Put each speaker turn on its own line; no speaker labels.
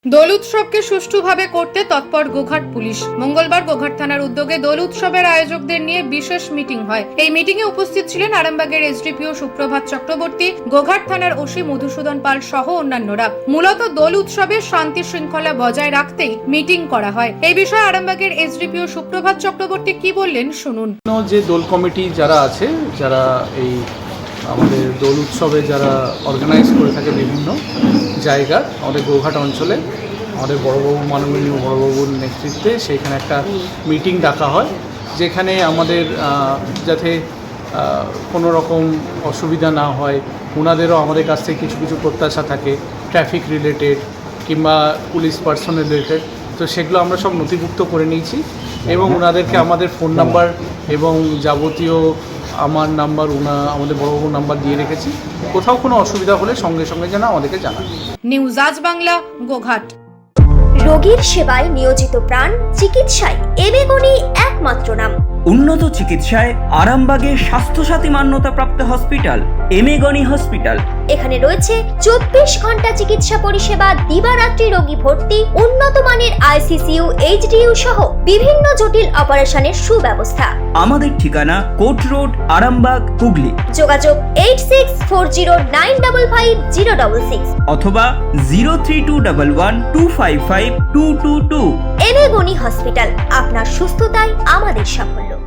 দোল উৎসবকে সুষ্ঠুভাবে করতে তৎপর গোঘাট পুলিশ। মঙ্গলবার গোঘাট থানার উদ্যোগে দোল উৎসবের আয়োজকদের নিয়ে বিশেষ মিটিং হয়। এই মিটিং এ উপস্থিত ছিলেন আরামবাগের এসডিপিও সুপ্রভাত চক্রবর্তী, গোঘাট থানার ওসি মধুসূদন পাল সহ অন্যান্যরা। মূলত দোল উৎসবের শান্তি শৃঙ্খলা বজায় রাখতেই মিটিং করা হয়। এই বিষয়ে আরামবাগের এসডিপিও সুপ্রভাত চক্রবর্তী কি বললেন শুনুন।
যে দোল কমিটি যারা আছে, যারা এই আমাদের দোল উৎসবে যারা অর্গানাইজ করে থাকে বিভিন্ন জায়গার আমাদের গোঘাট অঞ্চলে, আমাদের বড়বাবু মাননীয় বড়বাবুর নেতৃত্বে সেইখানে একটা মিটিং ডাকা হয়, যেখানে আমাদের যাতে কোনো রকম অসুবিধা না হয়, ওনাদেরও আমাদের কাছ থেকে কিছু কিছু প্রত্যাশা থাকে ট্রাফিক রিলেটেড কিংবা পুলিশ পার্সন রিলেটেড। তো সেগুলো আমরা সব নথিভুক্ত করে নিয়েছি এবং ওনাদেরকে আমাদের ফোন নাম্বার এবং যাবতীয় আমার নাম্বার আমাদের বড়বাবুর নাম্বার দিয়ে রেখেছি। কোথাও কোনো অসুবিধা হলে সঙ্গে সঙ্গে যেন আমাদেরকে জানান।
নিউজ আজ বাংলা, গোঘাট।
রোগীর সেবায় নিয়োজিত প্রাণ, চিকিৎসায় এবেগুনি একমাত্র নাম।
উন্নত চিকিৎসায় আরামবাগে স্বাস্থ্যসাথী মান্যতাপ্রাপ্ত হসপিটাল এমেগনি হসপিটাল।
এখানে রয়েছে 24 ঘন্টা চিকিৎসা পরিষেবা, দিবারাত্রি রোগী ভর্তি, উন্নত মানের আইসিসিইউ, এইচডিইউ সহ বিভিন্ন জটিল অপারেশনের সুব্যবস্থা।
আমাদের ঠিকানা কোট রোড, আরামবাগ, হুগলি।
যোগাযোগ 8640955066
অথবা 03211255222।
এবেগুনি হসপিটাল, আপনার সুস্থতাই আমাদের সাফল্য।